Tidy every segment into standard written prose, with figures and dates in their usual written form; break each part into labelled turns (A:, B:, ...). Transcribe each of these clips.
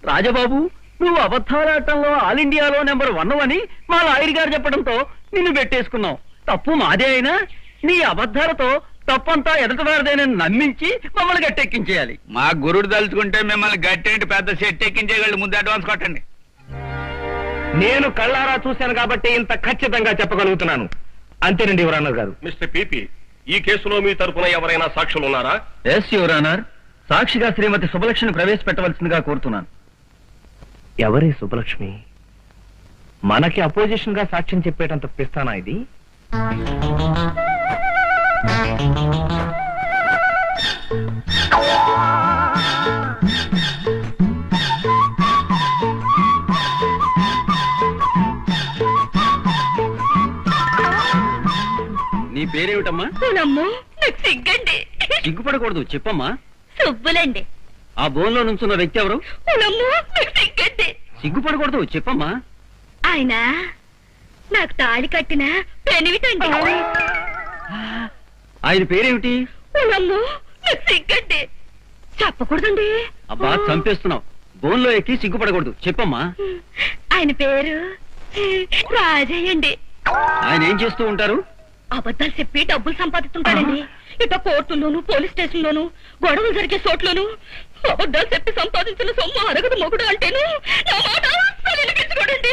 A: రాజబాబు, నువ్వు అబద్ధాలాటంలో ఆల్ ఇండియాలో నెంబర్ 1 అని మా లాయర్ గారు చెప్పడంతో నిన్ను పెట్టేసుకున్నావు. తప్పు మాదే అయినా నీ అబద్ధాలతో తప్పంతా ఎదటవారిదేనని నమ్మించి మమ్మల్ని గట్టెక్కించేయాలి.
B: మా గురుడు తలుచుకుంటే మిమ్మల్ని గట్టేంటి పెద్ద సెట్ ఎక్కించేయగలడు. ముందు అడ్వాన్స్ కొట్టండి.
C: నేను కళ్ళారా చూశాను కాబట్టి ఇంత ఖచ్చితంగా చెప్పగలుగుతున్నాను. అంతేనండి యువర్ ఆనర్ గారు.
D: మిస్టర్ పిపి, ఈ కేసులో మీ తరపున ఎవరైనా సాక్షులు ఉన్నారా?
A: Yes your honour. సాక్షిగా శ్రీమతి సుబ్బలక్ష్మిని ప్రవేశపెట్టవలసిందిగా కోరుతున్నాను.
C: ఎవరి సుబ్బలక్ష్మి? మనకి అపోజిషన్ గా సాక్ష్యం చెప్పేటంత పిస్తానా ఇది?
A: నీ పేరేమిటమ్మా?
E: సిగ్గండి.
A: సిగ్గుపడకూడదు, చెప్పమ్మా.
E: సుబ్బులండి.
A: ఆ బోన్లో నుంచున్న వ్యక్తి ఎవరు?
E: సిగ్గండి.
A: సిగ్గుపడకూడదు, చెప్పమ్మా.
E: ఆయన నాకు తాళి కట్టిన పెనివిటండి.
A: ఆయన పేరేమిటి?
E: సిగ్గండి. చెప్పకూడదండి.
A: అబ్బా, చంపేస్తున్నావు. బోన్లో ఎక్కి సిగ్గుపడకూడదు, చెప్పమ్మా.
E: ఆయన పేరు రాజయ్యండి.
A: ఆయన ఏం చేస్తూ ఉంటారు?
E: అబద్ధాలు చెప్పి డబ్బులు సంపాదిస్తుంటాడండి. ఇట కోర్టుల్లోను, పోలీస్ స్టేషన్ లోను, గొడవలు జరిగే చోట్లోను అబద్ధాలు చెప్పి సంపాదించిన సొమ్ము అరగదు మొగుడు అంటేను నా మాట అస్సలు వినిపించుకోడండి.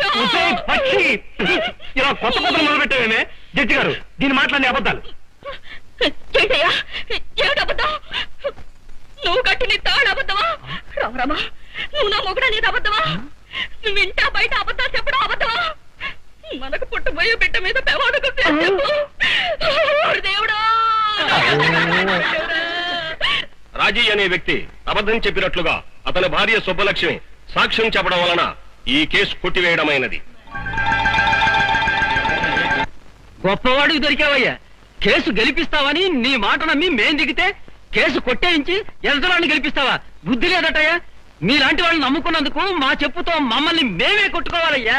C: ఇలా కొత్త కొత్తలు మొదలు పెట్టావేమే జడ్జి గారు? దీని మాట్లాడే అబద్ధాలు
E: ఏంటయ్యా? ఏమిటబద్ధం? నువ్వు కట్టి నీ తాడు అబద్ధమా? రామరామా, నువ్వు నా మొగుడు అనేది అబద్ధమా? నువ్వు ఇంటా బయట అబద్ధాలు చెప్పడం అబద్ధమా? మనకు పుట్టబోయే బిడ్డ మీద పెవాడకు దేవుడా.
D: రాజీ అనే వ్యక్తి అబద్ధం చెప్పినట్లుగా అతని భార్య సుబ్బలక్ష్మి సాక్ష్యం చెప్పడం వలన ఈ కేసు కొట్టివేయడమైనది.
A: గొప్పవాడికి దొరికావయ్యా. కేసు గెలిపిస్తావని నీ మాట నమ్మి మేం దిగితే కేసు కొట్టేయించి ఎదురాన్ని గెలిపిస్తావా? బుద్ధి లేదటయ్యా. మీలాంటి వాళ్ళని నమ్ముకున్నందుకు మా చెప్పుతో మమ్మల్ని మేమే కొట్టుకోవాలయ్యా.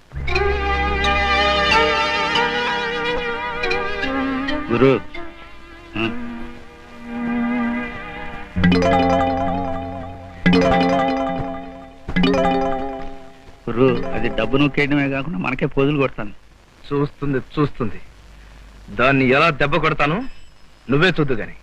B: గురు, గురు, అది డబ్బు నొక్కేయడమే కాకుండా మనకే పోజులు కొడతాను.
C: చూస్తుంది. దాన్ని ఎలా దెబ్బ కొడతాను నువ్వే చూద్దు గాని.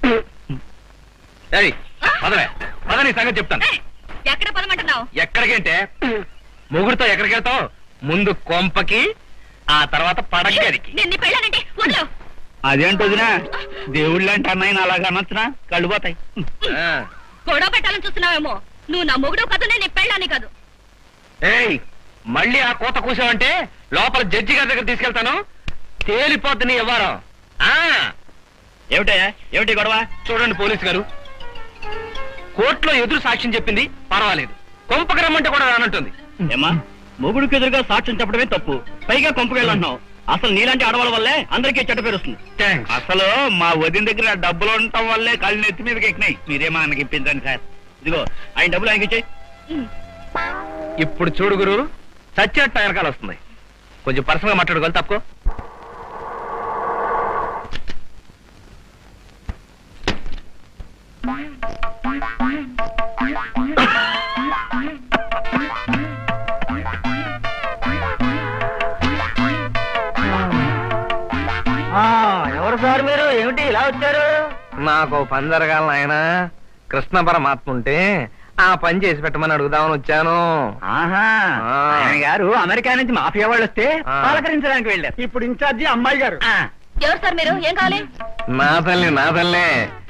C: పదని సంగతి చెప్తాను.
E: ఎక్కడ పదమంటున్నావు?
C: ఎక్కడికంటే మొగుడుతో ఎక్కడికి వెళ్తావు? ముందు కొంపకి, ఆ తర్వాత పడగదికి.
E: నేను పెళ్ళానంటే వదలు.
B: అదేంటి వదినా, దేవుళ్ళు అంటే అన్నయ్య అలాగ అనొచ్చునా? కళ్ళు పోతాయి.
E: గొడవ పెట్టాలని చూస్తున్నావేమో. నువ్వు నా మొగుడు కాదు, నేను నీ పెళ్ళాన్ని కాదు.
C: ఏయ్, మళ్ళీ ఆ కోత కూసావంటే లోపల జడ్జి గారి దగ్గర తీసుకెళ్తాను. తేలిపోద్ది నీ వ్యవహారం.
B: ఏమిటయ్యా, ఏమిటి గొడవ?
C: చూడండి పోలీసు గారు, కోర్టులో ఎదురు సాక్ష్యం చెప్పింది పర్వాలేదు, కొంపకి రమ్మంటే కూడా రానంటుంది.
B: ఏమా, మొగుడికి ఎదురుగా సాక్ష్యం చెప్పడమే తప్పు, పైగా కొంపకెళ్ళంటున్నావు. అసలు నీలాంటి ఆడవాళ్ళ వల్లే అందరికీ చెడ్డ పేరు వస్తుంది. అసలు మా వదిన దగ్గర డబ్బులు ఉండటం వల్లే కాళ్ళు నెత్తి మీదకి ఎక్కినాయి. మీరేమో ఆయనకి ఇప్పించండి సార్. ఇదిగో ఆయన డబ్బులు ఆయనకి ఇచ్చేయి.
C: ఇప్పుడు చూడు గురు, చచ్చినట్టు వెనకాల వస్తుంది. కొంచెం పర్సనల్ గా మాట్లాడుకోవాలి, తప్పుకో.
A: ఎవరు సార్ మీరు? ఏమిటి ఇలా వచ్చారు?
C: నాకు పని జరగాలి ఆయన. కృష్ణ పరమాత్మ ఉంటే ఆ పని చేసి పెట్టమని అడుగుదామని వచ్చాను.
A: ఆయన గారు అమెరికా నుంచి మాఫియా వాళ్ళు వస్తే పలకరించడానికి వెళ్ళారు.
C: ఇప్పుడు ఇన్ఛార్జి అమ్మాయి గారు.
E: ఎవరు సార్ మీరు? ఏం కావాలి?
C: నా తల్లి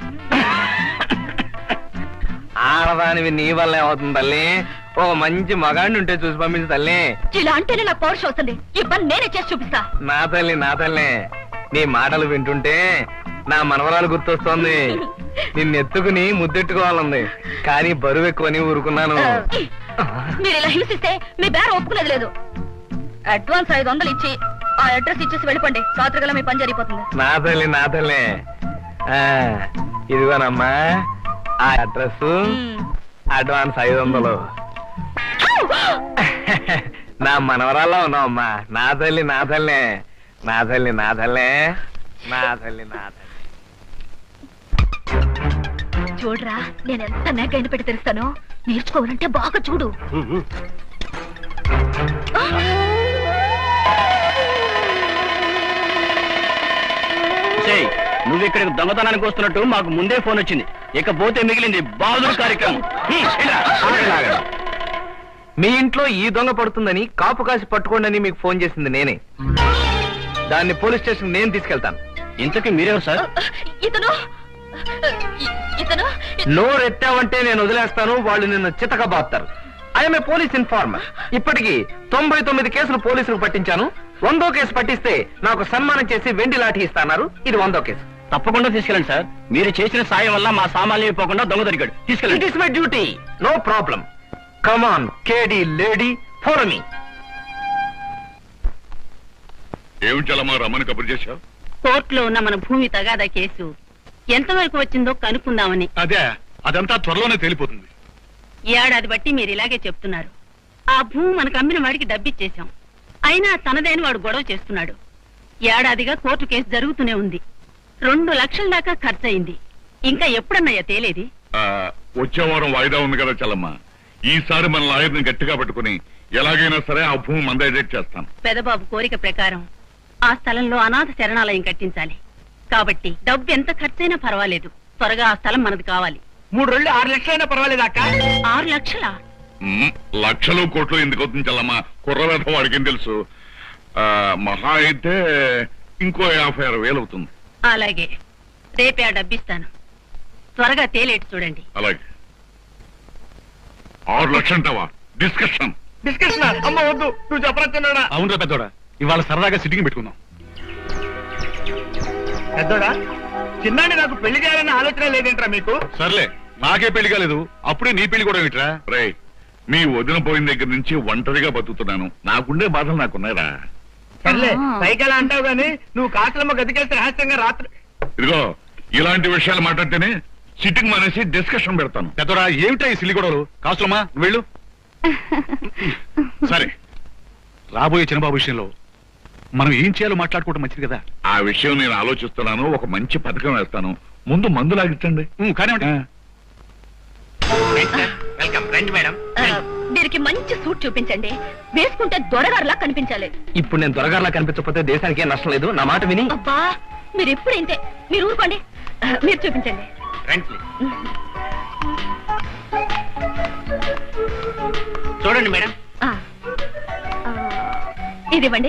C: ఆడదానివి నీ వల్లే అవుతుంది తల్లి. ఓ మంచి మగాడిని ఉంటే చూసి పంపించు తల్లి.
E: ఇలా అంటేనే నాకు పౌరుషం వస్తుంది. ఈ పని నేనే చేసి చూపిస్తా.
C: నా తల్లి నీ మాటలు వింటుంటే నా మనవరాలు గుర్తొస్తోంది. నిన్నెత్తుకుని ముద్దెట్టుకోవాలంది, కానీ బరువు ఎక్కువని ఊరుకున్నాను.
E: మీరు ఇలా హింసిస్తే మీ బేర ఒప్పుకునేది లేదు. అడ్వాన్స్ 500 ఇచ్చి ఆ అడ్రస్ ఇచ్చేసి వెళ్ళిపోండి. రాత్రిగల మీ పని జరిగిపోతుంది.
C: నా తల్లి ఇదిగోనమ్మా ఆ అడ్రస్, అడ్వాన్స్ 500. నా మనవరాల్లో ఉన్నావమ్మా. నా తల్లి
E: చూడరా, నేను ఎంత నెగ్గైన పెట్టి తెలుస్తాను. నేర్చుకోవాలంటే బాగా చూడు.
B: నువ్వు ఇక్కడికి దొంగతనానికి వస్తున్నట్టు మాకు ముందే ఫోన్ వచ్చింది. ఇకపోతే మిగిలింది బహదూర్ కార్యక్రమం.
C: మీ ఇంట్లో ఈ దొంగ పడుతుందని కాపు కాసి పట్టుకోండి మీకు ఫోన్ చేసింది నేనే. దాన్ని పోలీస్ స్టేషన్ నేను తీసుకెళ్తాను.
B: ఇంతకీ మీరెవరు సార్?
E: ఇతను
C: నోరెత్తావంటే నేను వదిలేస్తాను, వాళ్ళు నిన్ను చితకబాస్తారు. I'm a police informer. ఇప్పటికి 99 కేసులు పోలీసులకు పట్టించాను. 100వ కేసు పట్టిస్తే నాకు సన్మానం చేసి వెండి లాఠీ ఇస్తాన్నారు. ఇది 100వ కేసు.
B: తప్పకుండా తీసుకెళ్ళండి సార్. మీరు చేసిన సాయం వల్ల మా సామాన్లు అయిపోకుండా దొంగ దొరికాడు. తీసుకెళ్ళండి.
C: It is my duty, no problem. Come on కేడీ లేడీ, ఫాలో మీ.
F: ఏమి చలమా రమ్మని కబురు చేశావు?
G: కోర్టులో ఉన్న మన భూమి తగాదా కేసు ఎంతవరకు వచ్చిందో కనుక్కుందామని.
F: అదే, అదంతా త్వరలోనే తేలిపోతుంది.
G: ఏడాది బట్టి మీరు ఇలాగే చెప్తున్నారు. ఆ భూమి మనకు అమ్మిన వాడికి డబ్బిచ్చేశాం. అయినా తనదైన వాడు గొడవ చేస్తున్నాడు. ఏడాదిగా కోర్టు కేసు జరుగుతూనే ఉంది. 2 లక్షల దాకా ఖర్చయింది. ఇంకా ఎప్పుడన్నయ్యా తేలేది?
F: వచ్చే వారం వాయిదా ఉంది కదా చలమ్మ. ఈసారి మన లాయర్ని గట్టిగా పట్టుకుని ఎలాగైనా సరే ఆ భూమి మందైజెట్ చేస్తాను.
G: పెదబాబు కోరిక ప్రకారం ఆ స్థలంలో అనాథ శరణాలయం కట్టించాలి. కాబట్టి డబ్బు ఎంత ఖర్చైనా పర్వాలేదు, త్వరగా ఆ స్థలం మనది కావాలి.
B: 3 రోజులు 6 లక్షలైనా పర్వాలేదు అక్క.
G: 6 లక్షలా?
F: లక్షలు కోట్లు ఎందుకు అవుతుంది చల్లమ్మ? కుర్రవేధ వాడికి తెలుసు. మహా అయితే ఇంకో 56,000 అవుతుంది.
G: అలాగే, రేపే ఆ డబ్బిస్తాను. త్వరగా తేలేటి చూడండి.
F: అలాగే. 6 లక్షలు అంటావా? డిస్కషన్
B: అమ్మ వద్దు, నువ్వు చెప్పరా?
F: అవునరా పెద్దోడా, ఇవాళ సరదాగా సిట్టింగ్ పెట్టుకుందాం.
B: పెద్దోడా, చిన్నాన్ని నాకు పెళ్లి చేయాలన్న ఆలోచన లేదేంట్రా మీకు?
F: సర్లే, నాకే పెళ్లి కాలేదు, అప్పుడే నీ పెళ్లి కూడా ఏమిట్రా? రే, మీ వదిన పోయిన దగ్గర నుంచి ఒంటరిగా బతుకుతున్నాను. నాకుండే బాధలు నాకున్నాయిరా.
B: సర్లే, పైకి ఎలా అంటావు గాని నువ్వు కాసులమ్మ గదికేస్తే రహస్యంగా రాత్రి.
F: ఇదిగో, ఇలాంటి విషయాలు మాట్లాడితేనే సిట్టింగ్ మానేసి డిస్కషన్ పెడతాను.
H: పెద్దరా ఏమిటా ఈ సిల్లి గొడవలు? కాసులమ్మా వెళ్ళు.
F: సరే,
H: రాబోయే చిన్నబాబు విషయంలో మనం ఏం చేయాలో మాట్లాడుకోవడం మంచిది కదా.
F: ఆ విషయం నేను ఆలోచిస్తున్నాను. ఒక మంచి పథకం వేస్తాను. ముందు మందు లాగించండి.
H: కానివ్వండి.
C: వెల్కమ్, రండి మేడం.
E: వీరికి మంచి సూట్ చూపించండి. వేసుకుంటే దొరగారులా కనిపించాలి.
C: ఇప్పుడు నేను దొరగారులా కనిపించకపోతే దేశానికి ఏం నష్టం లేదు. నా మాట విని.
E: అబ్బా, మీరు ఎప్పుడు ఇంతే. మీరు ఊరుకోండి, మీరు చూపించండి.
C: చూడండి మేడం.
E: ఇది ఇవ్వండి.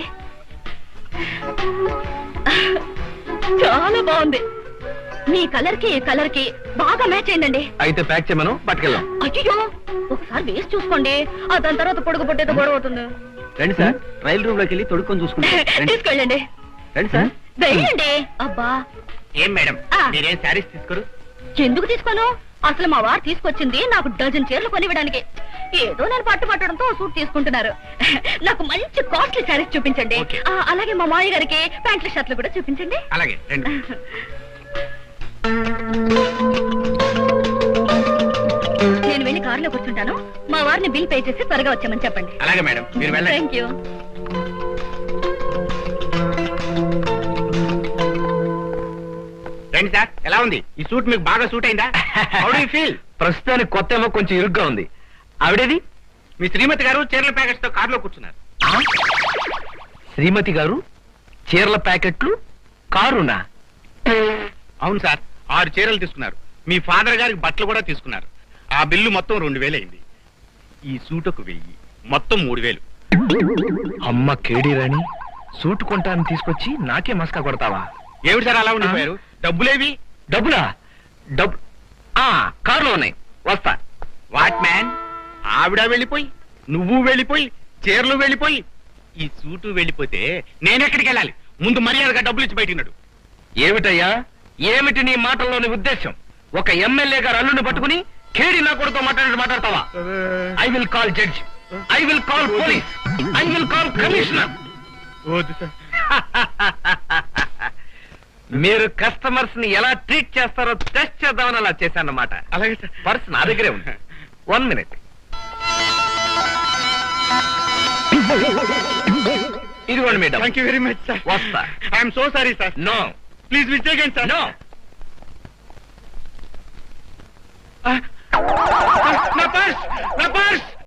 E: చాలా బాగుంది. మీ కలర్ కి ఈ కలర్ కి బాగా మ్యాచ్ అయిందండి.
C: అయితే ప్యాక్ చేయమను, పట్టుకెళ్దాం.
E: అయ్యో, ఒకసారి వేసి చూసుకోండి. ఆ దాని తర్వాత పొడుగు పొట్టేదో గొడవ అవుతుంది.
C: రండి సార్, రైలు రూమ్ లోకి వెళ్ళి తొడుక్కొని చూసుకుంటాం.
E: తీసుకెళ్ళండి.
C: రండి సార్.
E: వెయ్యండి. అబ్బా,
C: ఏం మేడం మీరేం శారీస్ తీసుకోరు?
E: ఎందుకు తీసుకోను? అసలు మా వారు తీసుకొచ్చింది నాకు డజన్ చీరలు కొనివ్వడానికి. ఏదో నేను పట్టడంతో సూట్ తీసుకుంటున్నారు. నాకు మంచి కాస్ట్లీ శారీస్ చూపించండి. అలాగే మా మామయ్య గారికి ప్యాంట్లు షర్ట్లు కూడా చూపించండి.
C: అలాగే రండి.
E: నేను వెళ్ళి కారులో కూర్చుంటాను. మా వారిని బిల్ పే చేసి త్వరగా వచ్చామని చెప్పండి.
C: అలాగే మేడం, మీరు వెళ్ళండి.
E: Thank you.
C: రండి సార్, ఎలా ఉంది ఈ సూట్? మీకు బాగా సూట్ అయిందా? How do you feel? ప్రస్తుతానికి కొత్త ఏమో కొంచెం ఇరుగ్గా ఉంది. ఆవిడేది? మీ శ్రీమతి గారు చీరల ప్యాకెట్స్ తో కారులో కూర్చున్నారు. శ్రీమతి గారు చీరల ప్యాకెట్లు కారునా?
H: అవును సార్, 6 చీరలు తీసుకున్నారు. మీ ఫాదర్ గారికి బట్టలు కూడా తీసుకున్నారు. ఆ బిల్లు మొత్తం 2,000 అయింది. ఈ సూటుకు 1000, మొత్తం 3,000.
C: అమ్మ కేడీ రాణి, సూట్ కొంటాను తీసుకొచ్చి నాకే మస్కా కొడతావా?
H: ఏమిటి సార్ అలా ఉండిపోయారు? డబ్బులేవి?
C: డబ్బులా? డబ్బు కారులో ఉన్నాయి, వస్తా.
H: వాట్ మ్యాన్, ఆవిడ వెళ్ళిపోయి, నువ్వు వెళ్ళిపోయి, చీరలు వెళ్ళిపోయి, ఈ సూటు వెళ్ళిపోతే నేనెక్కడికి వెళ్ళాలి? ముందు మర్యాదగా డబ్బులు ఇచ్చి బయటినాడు.
C: ఏమిటయ్యా, ఏమిటి నీ మాటల్లోని ఉద్దేశం? ఒక ఎమ్మెల్యే గారు అల్లుని పట్టుకుని కేడి నా కొడుతో మాట్లాడతావా? I will call judge, I will call police, I will call commissioner. మీరు కస్టమర్స్ ని ఎలా ట్రీట్ చేస్తారో టెస్ట్ చేద్దామని అలా చేశానన్నమాట.
H: అలాగే సార్.
C: పర్స్ నా దగ్గరే ఉంది. 1 minute. ఇదిగోండి madam.
H: Thank you very much sir.
C: వస్తా.
H: I'm so sorry sir.
C: No,
H: please mistake sir.
C: No.
H: నా పర్స్